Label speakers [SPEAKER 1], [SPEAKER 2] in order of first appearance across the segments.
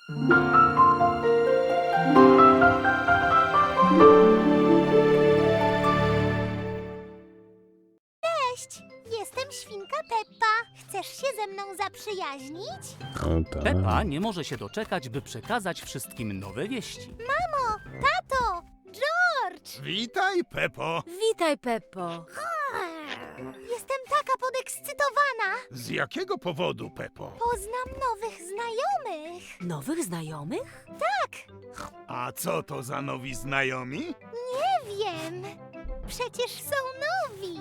[SPEAKER 1] Cześć, jestem świnka Peppa. Chcesz się ze mną zaprzyjaźnić?
[SPEAKER 2] O tak.
[SPEAKER 3] Peppa nie może się doczekać, by przekazać wszystkim nowe wieści.
[SPEAKER 1] Mamo, tato, George!
[SPEAKER 4] Witaj, Peppo.
[SPEAKER 5] Witaj, Peppo.
[SPEAKER 1] Jestem taka podekscytowana.
[SPEAKER 4] Z jakiego powodu, Peppo?
[SPEAKER 1] Poznam nowych znajomych.
[SPEAKER 5] Nowych znajomych?
[SPEAKER 4] A co to za nowi znajomi?
[SPEAKER 1] Nie wiem. Przecież są nowi.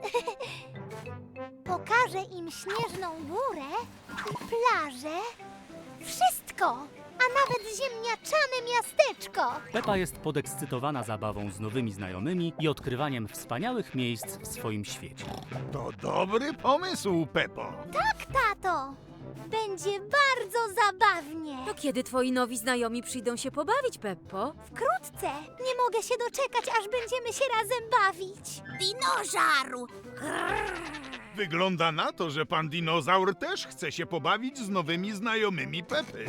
[SPEAKER 1] Pokażę im śnieżną górę i plażę. Wszystko, a nawet ziemniaczane miasteczko.
[SPEAKER 3] Peppa jest podekscytowana zabawą z nowymi znajomymi i odkrywaniem wspaniałych miejsc w swoim świecie.
[SPEAKER 4] To dobry pomysł, Peppo.
[SPEAKER 1] Tak, tato. Będzie bardzo zabawnie.
[SPEAKER 5] To kiedy twoi nowi znajomi przyjdą się pobawić, Peppo?
[SPEAKER 1] Wkrótce. Nie mogę się doczekać, aż będziemy się razem bawić. Dinożaru!
[SPEAKER 4] Wygląda na to, że pan dinozaur też chce się pobawić z nowymi znajomymi Peppy.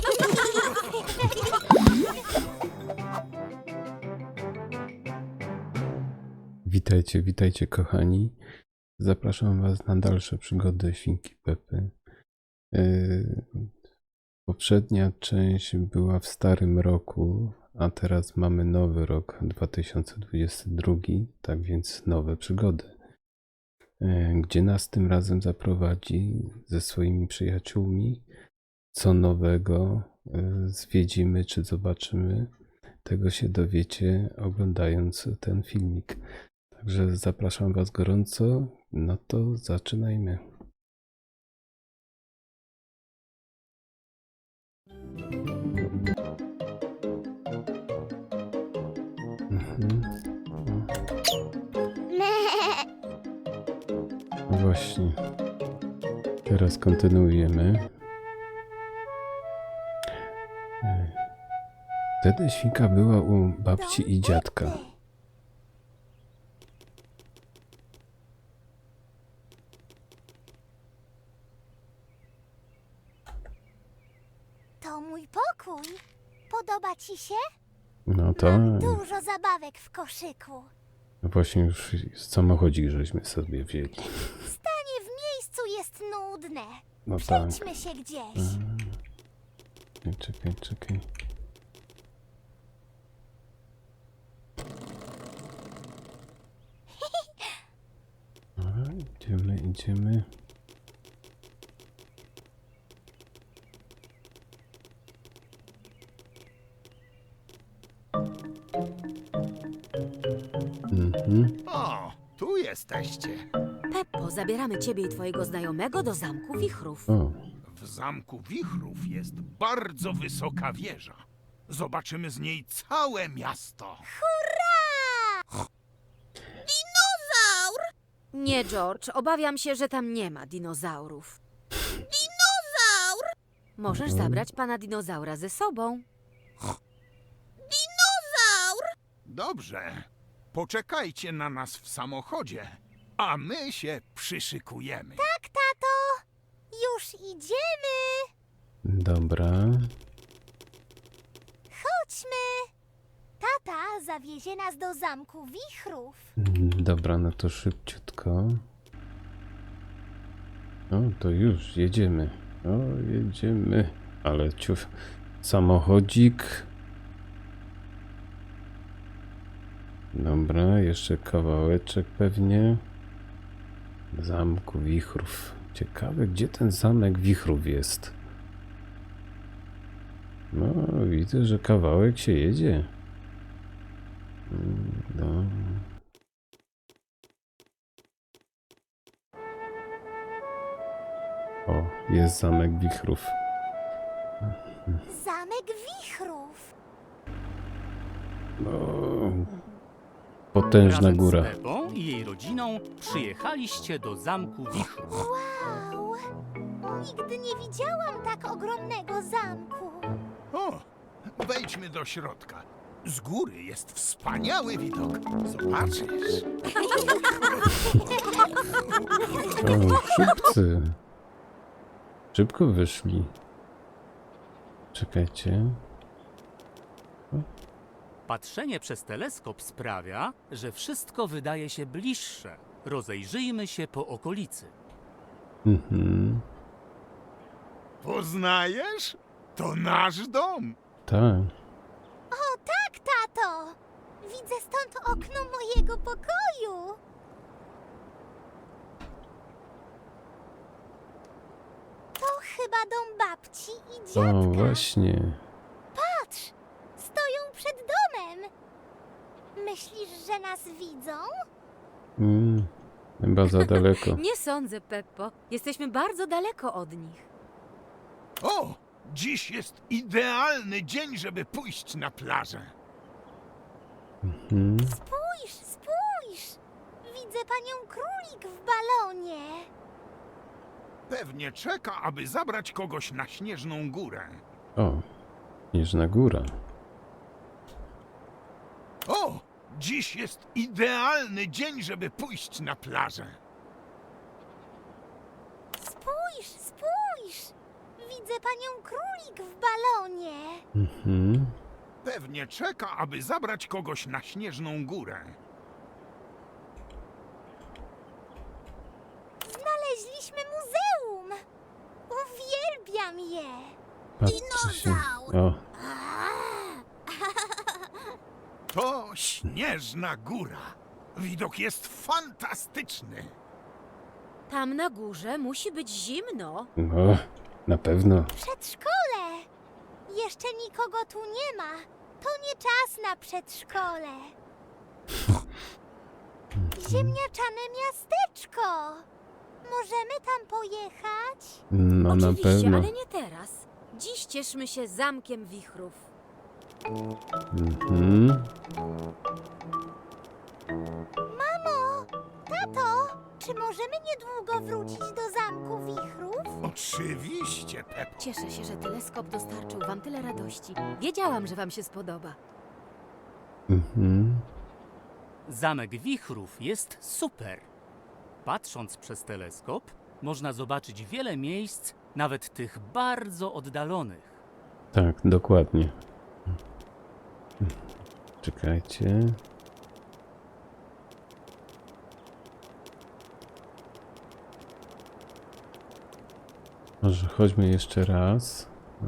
[SPEAKER 2] Witajcie, witajcie kochani. Zapraszam was na dalsze przygody Świnki Pepy. Poprzednia część była w starym roku, a teraz mamy nowy rok 2022, tak więc nowe przygody. Gdzie nas tym razem zaprowadzi ze swoimi przyjaciółmi, co nowego zwiedzimy czy zobaczymy, tego się dowiecie oglądając ten filmik. Także zapraszam was gorąco, no to zaczynajmy. No właśnie. Teraz kontynuujemy. Wtedy świnka była u babci i dziadka.
[SPEAKER 1] To mój pokój. Podoba ci się?
[SPEAKER 2] No to
[SPEAKER 1] Mam dużo zabawek w koszyku.
[SPEAKER 2] właśnie już samochodzik żeśmy sobie wzięli.
[SPEAKER 1] Stanie w miejscu jest nudne.
[SPEAKER 2] No tak.
[SPEAKER 1] Przejdźmy się gdzieś.
[SPEAKER 2] Czekaj. Dobra, idziemy.
[SPEAKER 4] O, tu jesteście.
[SPEAKER 5] Peppo, zabieramy ciebie i twojego znajomego do Zamku Wichrów.
[SPEAKER 2] O,
[SPEAKER 4] W Zamku Wichrów jest bardzo wysoka wieża. Zobaczymy z niej całe miasto.
[SPEAKER 5] Nie, George, obawiam się, że tam nie ma dinozaurów. Możesz zabrać pana dinozaura ze sobą.
[SPEAKER 4] Dobrze. Poczekajcie na nas w samochodzie, a my się przyszykujemy.
[SPEAKER 1] Tak, tato. Już idziemy.
[SPEAKER 2] dobra.
[SPEAKER 1] Chodźmy. Tata zawiezie nas do Zamku Wichrów.
[SPEAKER 2] Dobra, no to szybciutko. O, to już jedziemy. Ale ciuf, samochodzik. Dobra, jeszcze kawałeczek pewnie. Zamku Wichrów. Ciekawe, gdzie ten Zamek Wichrów jest. No, widzę, że kawałek się jedzie. No. O, jest Zamek Wichrów.
[SPEAKER 1] Zamek Wichrów.
[SPEAKER 2] No, potężna
[SPEAKER 3] Razem
[SPEAKER 2] góra.
[SPEAKER 3] z Peppą i jej rodziną przyjechaliście do Zamku Wichrów.
[SPEAKER 1] Wow. Nigdy nie widziałam tak ogromnego zamku.
[SPEAKER 4] O, wejdźmy do środka. Z góry jest wspaniały widok. Zobaczysz.
[SPEAKER 2] O, szybcy. Szybko wyszli. Czekajcie.
[SPEAKER 3] Patrzenie przez teleskop sprawia, że wszystko wydaje się bliższe. Rozejrzyjmy się po okolicy.
[SPEAKER 2] Mhm.
[SPEAKER 4] Poznajesz? To nasz dom.
[SPEAKER 2] Tak.
[SPEAKER 1] O tak, tato! Widzę stąd okno mojego pokoju. To chyba dom babci i dziadka.
[SPEAKER 2] O, właśnie.
[SPEAKER 1] Patrz! Stoją przed domem. Myślisz, że nas widzą?
[SPEAKER 2] Chyba za daleko.
[SPEAKER 5] Nie sądzę, Peppo. Jesteśmy bardzo daleko od nich.
[SPEAKER 4] O, dziś jest idealny dzień, żeby pójść na plażę.
[SPEAKER 2] Mhm.
[SPEAKER 1] Spójrz, spójrz! Widzę panią królik w balonie.
[SPEAKER 4] Pewnie czeka, aby zabrać kogoś na śnieżną górę.
[SPEAKER 2] O, Śnieżna Góra.
[SPEAKER 4] O, dziś jest idealny dzień, żeby pójść na plażę.
[SPEAKER 1] Spójrz, spójrz! Widzę panią królik w balonie.
[SPEAKER 2] Mhm.
[SPEAKER 4] Pewnie czeka, aby zabrać kogoś na śnieżną górę.
[SPEAKER 1] Znaleźliśmy muzeum. Uwielbiam je.
[SPEAKER 2] Patrzcie się.
[SPEAKER 1] Dinozaur.
[SPEAKER 2] O,
[SPEAKER 4] To śnieżna góra. Widok jest fantastyczny.
[SPEAKER 5] Tam na górze musi być zimno.
[SPEAKER 2] o, na pewno.
[SPEAKER 1] Przedszkole. Jeszcze nikogo tu nie ma. To nie czas na przedszkole. Ziemniaczane miasteczko. Możemy tam pojechać?
[SPEAKER 2] No na
[SPEAKER 5] Oczywiście,
[SPEAKER 2] pewno.
[SPEAKER 5] ale nie teraz. Dziś cieszmy się Zamkiem Wichrów.
[SPEAKER 2] Mhm.
[SPEAKER 1] Mamo, tato, czy możemy niedługo wrócić do Zamku Wichrów?
[SPEAKER 4] Oczywiście, Peppo.
[SPEAKER 5] Cieszę się, że teleskop dostarczył wam tyle radości. Wiedziałam, że wam się spodoba.
[SPEAKER 2] Mhm.
[SPEAKER 3] Zamek Wichrów jest super. Patrząc przez teleskop, można zobaczyć wiele miejsc, nawet tych bardzo oddalonych.
[SPEAKER 2] Tak, dokładnie. Czekajcie. Może chodźmy jeszcze raz.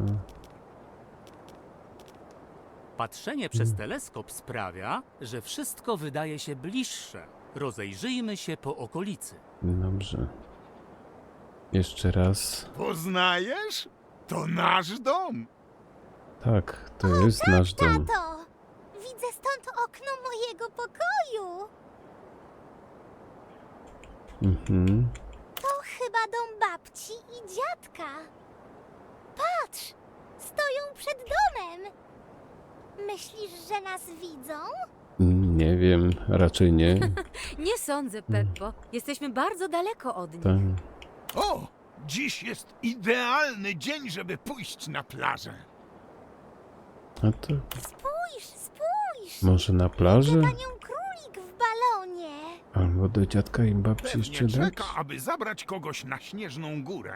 [SPEAKER 3] Patrzenie przez teleskop sprawia, że wszystko wydaje się bliższe. Rozejrzyjmy się po okolicy.
[SPEAKER 2] Dobrze. Jeszcze raz.
[SPEAKER 4] Poznajesz? To nasz dom.
[SPEAKER 2] Tak, to jest nasz dom.
[SPEAKER 1] Tato, widzę stąd okno mojego pokoju.
[SPEAKER 2] Mhm.
[SPEAKER 1] To chyba dom babci i dziadka. Patrz, stoją przed domem. Myślisz, że nas widzą?
[SPEAKER 2] Nie wiem, raczej nie.
[SPEAKER 5] Nie sądzę, Peppo. Jesteśmy bardzo daleko od nich.
[SPEAKER 2] Tak.
[SPEAKER 4] O, dziś jest idealny dzień, żeby pójść na plażę.
[SPEAKER 2] A to
[SPEAKER 1] Spójrz, spójrz!
[SPEAKER 2] może na plaży?
[SPEAKER 1] Panią królik w balonie.
[SPEAKER 2] Albo do dziadka i babci jeszcze
[SPEAKER 4] Pewnie
[SPEAKER 2] dać?
[SPEAKER 4] czeka, aby zabrać kogoś na śnieżną górę.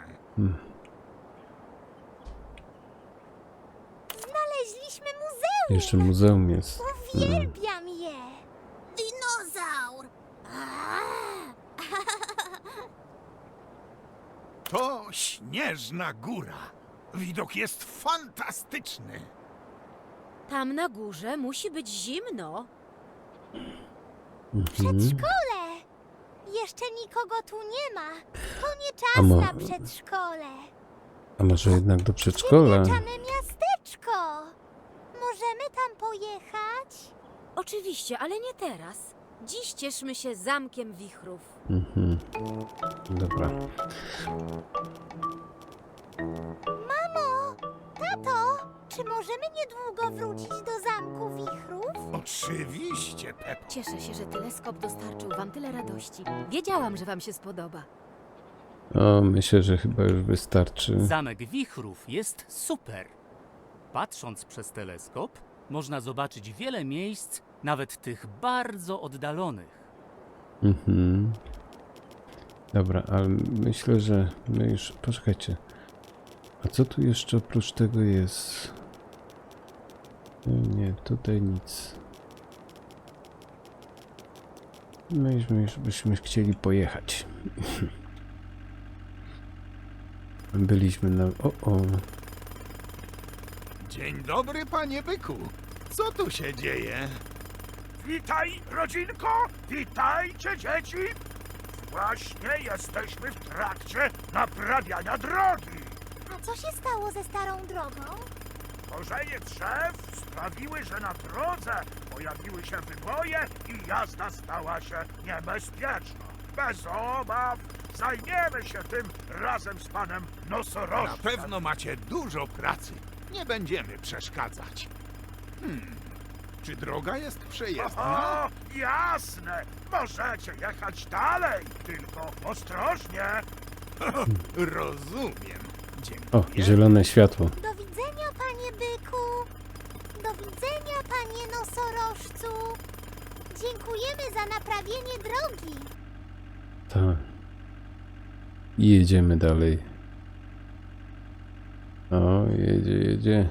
[SPEAKER 1] Znaleźliśmy muzeum.
[SPEAKER 2] Jeszcze muzeum jest.
[SPEAKER 1] Uwielbiam je. Dinozaur.
[SPEAKER 4] To śnieżna góra. Widok jest fantastyczny.
[SPEAKER 5] Tam na górze musi być zimno.
[SPEAKER 1] Przedszkole. Jeszcze nikogo tu nie ma. To nie
[SPEAKER 2] A
[SPEAKER 1] czas
[SPEAKER 2] mo-
[SPEAKER 1] na przedszkole.
[SPEAKER 2] A może jednak do przedszkola?
[SPEAKER 1] Ziemniaczane miasteczko. Możemy tam pojechać?
[SPEAKER 5] Oczywiście, ale nie teraz. Dziś cieszmy się Zamkiem Wichrów.
[SPEAKER 2] Mhm. Dobra.
[SPEAKER 1] Mamo, tato, czy możemy niedługo wrócić do Zamku Wichrów?
[SPEAKER 4] Oczywiście, Peppo.
[SPEAKER 5] Cieszę się, że teleskop dostarczył wam tyle radości. Wiedziałam, że wam się spodoba.
[SPEAKER 2] O, myślę, że chyba już wystarczy.
[SPEAKER 3] Zamek Wichrów jest super. Patrząc przez teleskop, można zobaczyć wiele miejsc, nawet tych bardzo oddalonych.
[SPEAKER 2] A co tu jeszcze oprócz tego jest? Nie, tutaj nic. Byśmy chcieli pojechać. Byliśmy na... O.
[SPEAKER 4] Dzień dobry, panie byku. Co tu się dzieje?
[SPEAKER 6] Witaj, rodzinko! Witajcie, dzieci! Właśnie jesteśmy w trakcie naprawiania drogi.
[SPEAKER 1] A co się stało ze starą drogą?
[SPEAKER 6] Korzenie drzew sprawiły, że na drodze pojawiły się wyboje i jazda stała się niebezpieczna. Bez obaw zajmiemy się tym razem z panem
[SPEAKER 4] Na
[SPEAKER 6] nosorożcem.
[SPEAKER 4] pewno macie dużo pracy. Nie będziemy przeszkadzać. Czy droga jest przejezdna?
[SPEAKER 6] O, jasne! Możecie jechać dalej, tylko ostrożnie.
[SPEAKER 4] Rozumiem.
[SPEAKER 2] O,
[SPEAKER 4] Dziękuję.
[SPEAKER 2] zielone światło.
[SPEAKER 1] Do widzenia, panie byku. Do widzenia, panie nosorożcu. Dziękujemy za naprawienie drogi.
[SPEAKER 2] Tak. I jedziemy dalej. O, jedzie.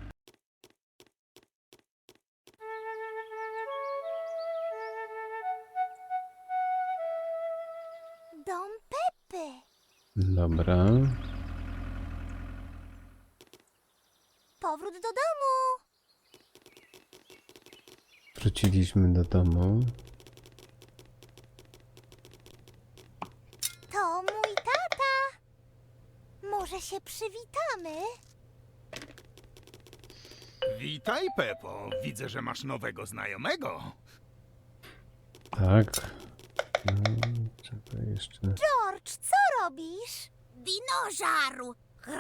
[SPEAKER 1] Dom Pepy.
[SPEAKER 2] Dobra.
[SPEAKER 1] Powrót do domu.
[SPEAKER 2] Wróciliśmy do domu.
[SPEAKER 1] To mój tata. Może się przywitamy?
[SPEAKER 4] Witaj, Pepo. Widzę, że masz nowego znajomego.
[SPEAKER 2] Tak. No, trzeba jeszcze...
[SPEAKER 1] George, co robisz? Dinożaru.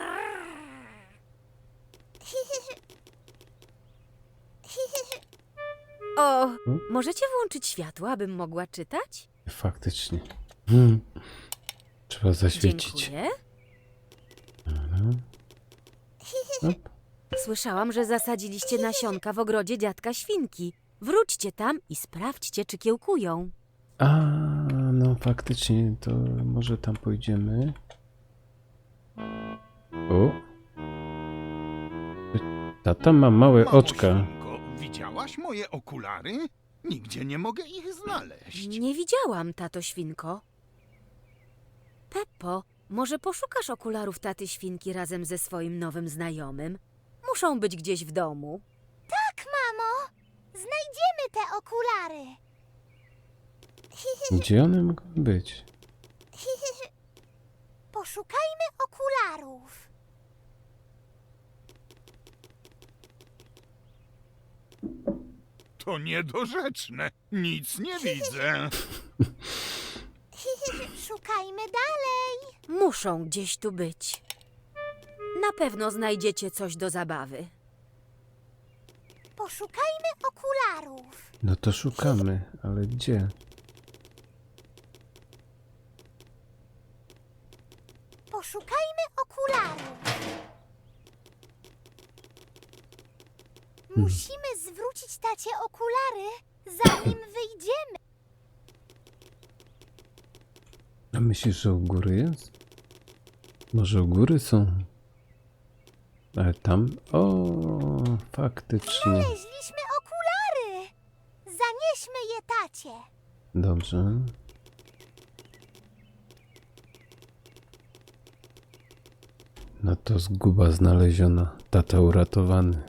[SPEAKER 5] O, możecie włączyć światło, abym mogła czytać?
[SPEAKER 2] Faktycznie. Trzeba zaświecić.
[SPEAKER 5] Dziękuję.
[SPEAKER 2] Dobra. Op.
[SPEAKER 5] Słyszałam, że zasadziliście nasionka w ogrodzie dziadka Świnki. Wróćcie tam i sprawdźcie, czy kiełkują.
[SPEAKER 2] A, no faktycznie, to może tam pójdziemy. O. Tata ma małe
[SPEAKER 4] Mamo
[SPEAKER 2] oczka.
[SPEAKER 4] świnko, widziałaś moje okulary? Nigdzie nie mogę ich znaleźć.
[SPEAKER 5] Nie widziałam, tato Świnko. Peppo, może poszukasz okularów taty Świnki razem ze swoim nowym znajomym? Muszą być gdzieś w domu.
[SPEAKER 1] Tak, mamo. Znajdziemy te okulary.
[SPEAKER 2] Gdzie one mogą być?
[SPEAKER 1] Poszukajmy okularów.
[SPEAKER 4] To niedorzeczne. Nic nie widzę.
[SPEAKER 1] Szukajmy dalej.
[SPEAKER 5] Muszą gdzieś tu być. Na pewno znajdziecie coś do zabawy.
[SPEAKER 1] Poszukajmy okularów.
[SPEAKER 2] No to szukamy, ale gdzie?
[SPEAKER 1] Poszukajmy okularów. Musimy zwrócić tacie okulary, zanim wyjdziemy.
[SPEAKER 2] A myślisz, że u góry jest? Może u góry są? Ale tam... O, faktycznie.
[SPEAKER 1] Znaleźliśmy okulary. Zanieśmy je tacie.
[SPEAKER 2] Dobrze. No to zguba znaleziona. Tata uratowany.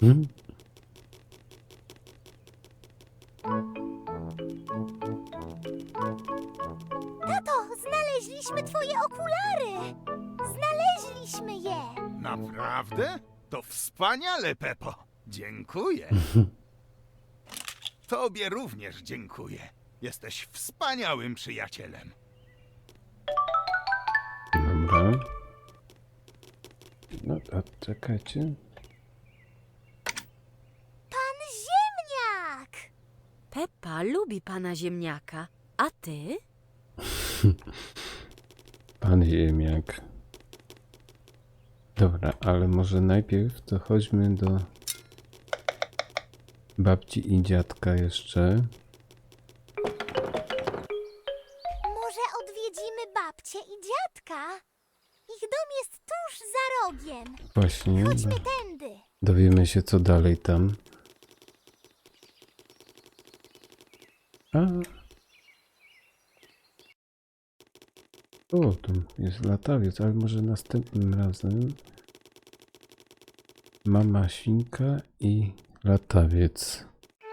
[SPEAKER 1] Tato, znaleźliśmy twoje okulary. Znaleźliśmy je.
[SPEAKER 4] Naprawdę? To wspaniale, Pepo. Dziękuję. Tobie również dziękuję. Jesteś wspaniałym przyjacielem.
[SPEAKER 2] Dobra. No, a czekajcie.
[SPEAKER 1] Pan Ziemniak.
[SPEAKER 5] Peppa lubi pana ziemniaka. A ty?
[SPEAKER 2] Pan Ziemniak. Dobra, ale może najpierw to chodźmy do babci i dziadka jeszcze.
[SPEAKER 1] Może odwiedzimy babcię i dziadka? Ich dom jest tuż za rogiem.
[SPEAKER 2] właśnie.
[SPEAKER 1] Chodźmy tędy.
[SPEAKER 2] Dowiemy się, co dalej tam. A. O, tam jest latawiec, ale może następnym razem. Mama świnka i latawiec.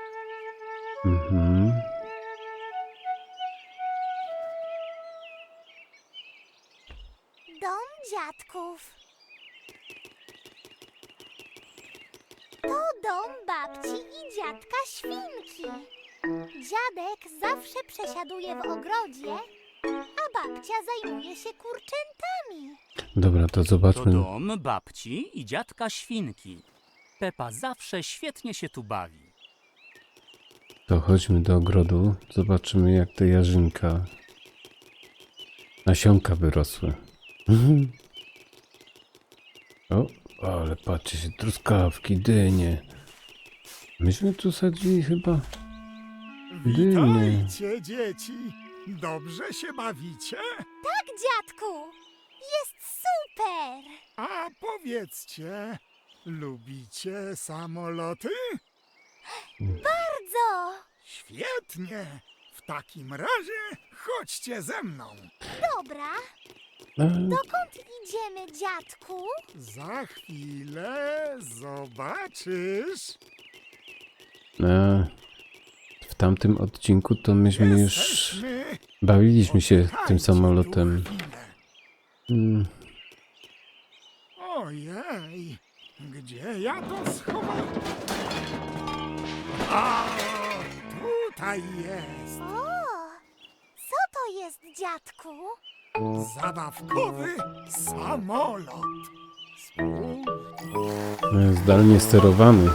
[SPEAKER 2] Mhm.
[SPEAKER 1] Dom dziadków. To dom babci i dziadka świnki. Dziadek zawsze przesiaduje w ogrodzie, a babcia zajmuje się kurczętami.
[SPEAKER 2] Dobra, to
[SPEAKER 3] To
[SPEAKER 2] zobaczmy.
[SPEAKER 3] dom babci i dziadka świnki. Pepa zawsze świetnie się tu bawi.
[SPEAKER 2] To chodźmy do ogrodu. Zobaczymy, jak te jarzynka, nasionka wyrosły. Mhm. O, ale patrzcie się, truskawki, dynie. Myśmy tu sadzili chyba dynie.
[SPEAKER 6] Witajcie, dzieci. Dobrze się bawicie?
[SPEAKER 1] Tak, dziadku, jest super.
[SPEAKER 6] A powiedzcie, lubicie samoloty?
[SPEAKER 1] Bardzo.
[SPEAKER 6] Świetnie. W takim razie chodźcie ze mną.
[SPEAKER 1] Dobra,
[SPEAKER 2] A,
[SPEAKER 1] dokąd idziemy, dziadku?
[SPEAKER 6] Za chwilę zobaczysz.
[SPEAKER 2] w tamtym odcinku to myśmy już
[SPEAKER 6] Jesteśmy.
[SPEAKER 2] bawiliśmy się
[SPEAKER 6] Poczekajcie
[SPEAKER 2] tym
[SPEAKER 6] tu
[SPEAKER 2] samolotem.
[SPEAKER 6] chwilę.
[SPEAKER 2] Mm,
[SPEAKER 6] Ojej, gdzie ja to schowałem? A, tutaj jest.
[SPEAKER 1] O, co to jest, dziadku?
[SPEAKER 6] Zabawkowy samolot. Spójrz.
[SPEAKER 2] zdalnie sterowany.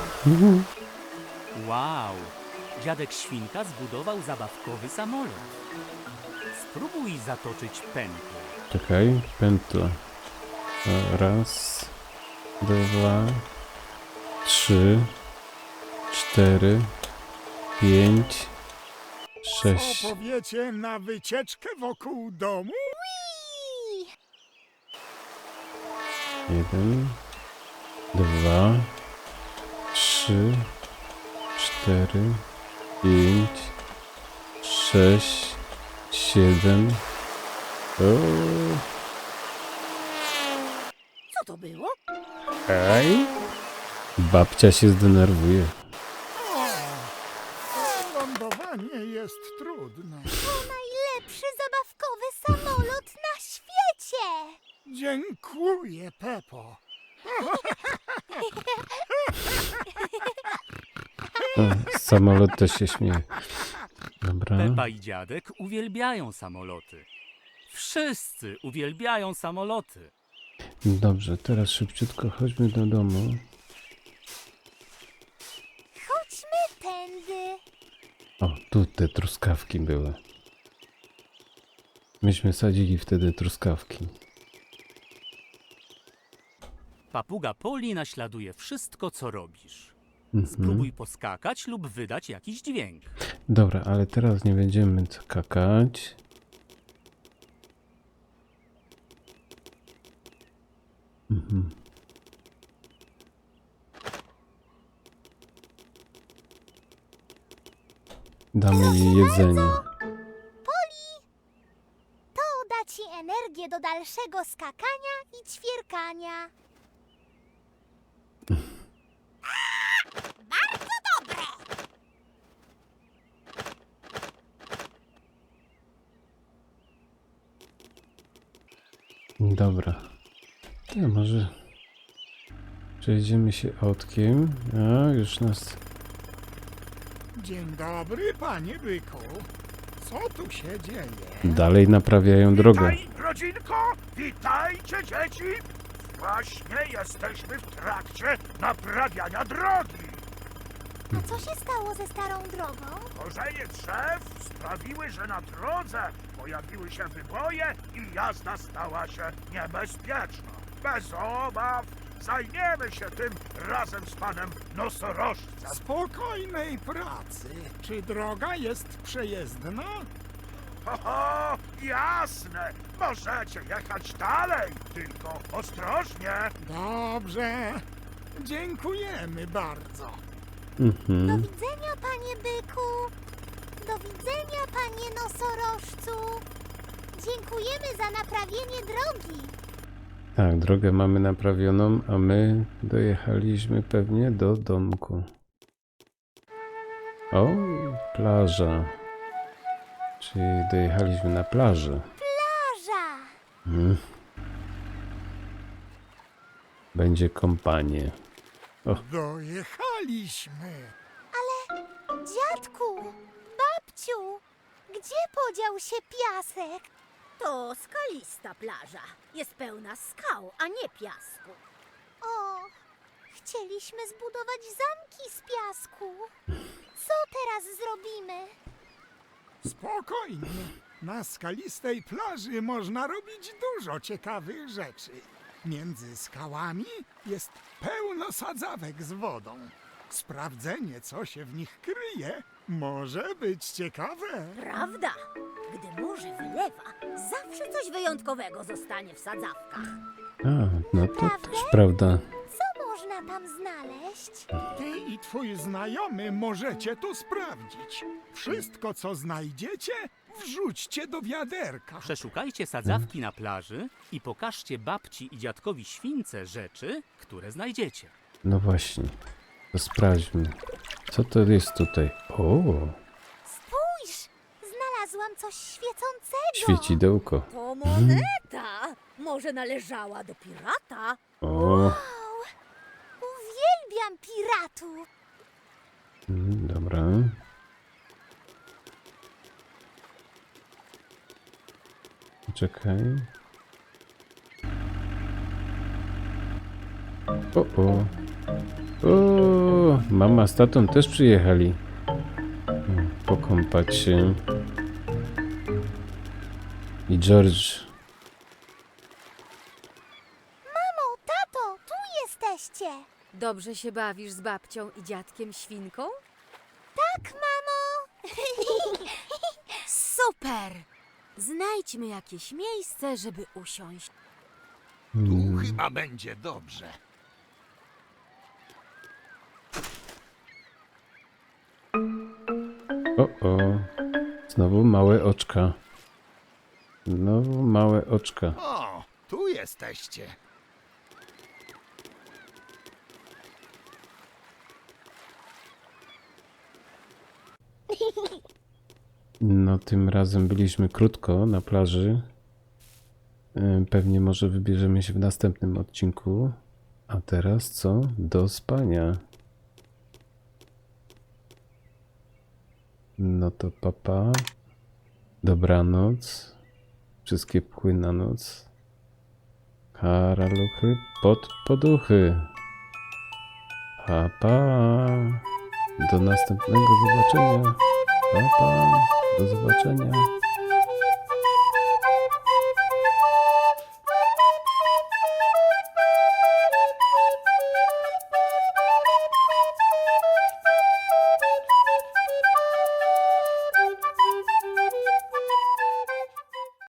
[SPEAKER 3] Wow! Dziadek świnka zbudował zabawkowy samolot. Spróbuj zatoczyć pętlę.
[SPEAKER 2] Czekaj, pętla. Raz, dwa, 3, 4, 5,
[SPEAKER 6] Co
[SPEAKER 2] 6.
[SPEAKER 6] powiecie na wycieczkę wokół domu?
[SPEAKER 1] Ui,
[SPEAKER 2] 1, 2, 3, 4, 5, 6, 7.
[SPEAKER 1] co to było?
[SPEAKER 2] Ej! Babcia się zdenerwuje.
[SPEAKER 6] O, lądowanie jest trudne.
[SPEAKER 1] To najlepszy zabawkowy samolot na świecie.
[SPEAKER 6] Dziękuję, Pepo.
[SPEAKER 2] Samolot też się śmieje. Dobra.
[SPEAKER 3] Pepa i dziadek uwielbiają samoloty. Wszyscy uwielbiają samoloty.
[SPEAKER 2] Dobrze, teraz szybciutko chodźmy do domu.
[SPEAKER 1] Chodźmy tędy.
[SPEAKER 2] O, tu te truskawki były. Myśmy sadzili wtedy truskawki.
[SPEAKER 3] Papuga Poli naśladuje wszystko, co robisz.
[SPEAKER 2] Mhm.
[SPEAKER 3] Spróbuj poskakać lub wydać jakiś dźwięk.
[SPEAKER 2] Dobra, ale teraz nie będziemy skakać. Mhm. Damy jej jedzenie.
[SPEAKER 1] To da ci energię do dalszego skakania i ćwierkania. Bardzo dobre.
[SPEAKER 2] Dobra. To może przejdziemy się autkiem. A, już nas...
[SPEAKER 6] Dzień dobry, panie byku. Co tu się dzieje?
[SPEAKER 2] Dalej naprawiają drogę.
[SPEAKER 6] Witaj, rodzinko! Witajcie, dzieci! Właśnie jesteśmy w trakcie naprawiania drogi.
[SPEAKER 1] A co się stało ze starą drogą?
[SPEAKER 6] Korzenie drzew sprawiły, że na drodze pojawiły się wyboje i jazda stała się niebezpieczna. Bez obaw zajmiemy się tym razem z panem nosorożcem. Spokojnej pracy. Czy droga jest przejezdna? Ho, jasne. Możecie jechać dalej, tylko ostrożnie.
[SPEAKER 7] Dobrze. Dziękujemy bardzo.
[SPEAKER 1] Do
[SPEAKER 2] Mhm.
[SPEAKER 1] widzenia, panie byku. Do widzenia, panie nosorożcu. Dziękujemy za naprawienie drogi.
[SPEAKER 2] Tak, drogę mamy naprawioną, a my dojechaliśmy pewnie do domku. O, plaża. Czyli dojechaliśmy na plażę.
[SPEAKER 1] Plaża.
[SPEAKER 2] Mhm. Będzie kąpanie.
[SPEAKER 7] Dojechaliśmy.
[SPEAKER 1] Dziadku, babciu, gdzie podział się piasek?
[SPEAKER 8] To skalista plaża. Jest pełna skał, a nie piasku.
[SPEAKER 1] O, chcieliśmy zbudować zamki z piasku. Co teraz zrobimy?
[SPEAKER 7] Spokojnie. Na skalistej plaży można robić dużo ciekawych rzeczy. Między skałami jest pełno sadzawek z wodą. Sprawdzenie, co się w nich kryje, może być ciekawe.
[SPEAKER 8] Prawda? Gdy morze wylewa, zawsze coś wyjątkowego zostanie w sadzawkach.
[SPEAKER 2] A, no to też prawda.
[SPEAKER 1] Co można tam znaleźć?
[SPEAKER 7] Ty i twój znajomy możecie to sprawdzić. Wszystko, co znajdziecie, wrzućcie do wiaderka.
[SPEAKER 3] Przeszukajcie sadzawki na plaży i pokażcie babci i dziadkowi śwince rzeczy, które znajdziecie.
[SPEAKER 2] No właśnie. To sprawdźmy. Co to jest tutaj? O,
[SPEAKER 1] Spójrz, znalazłam coś świecącego.
[SPEAKER 2] świecidełko.
[SPEAKER 8] To moneta! Może należała do pirata?
[SPEAKER 2] O,
[SPEAKER 1] Wow, uwielbiam piratów.
[SPEAKER 2] dobra. Czekaj. O. O, mama z tatą też przyjechali. Pokąpać się. I George.
[SPEAKER 1] Mamo, tato, tu jesteście.
[SPEAKER 5] Dobrze się bawisz z babcią i dziadkiem świnką?
[SPEAKER 1] Tak, mamo.
[SPEAKER 5] Super! Znajdźmy jakieś miejsce, żeby usiąść.
[SPEAKER 4] Tu chyba będzie dobrze.
[SPEAKER 2] O. Znowu małe oczka. Znowu małe oczka.
[SPEAKER 4] O, tu jesteście.
[SPEAKER 2] No, tym razem byliśmy krótko na plaży. Pewnie może wybierzemy się w następnym odcinku. A teraz co? Do spania. No to papa. Dobranoc. Wszystkie pchły na noc. Haraluchy pod poduchy. Pa. Do następnego zobaczenia. Pa. Do zobaczenia.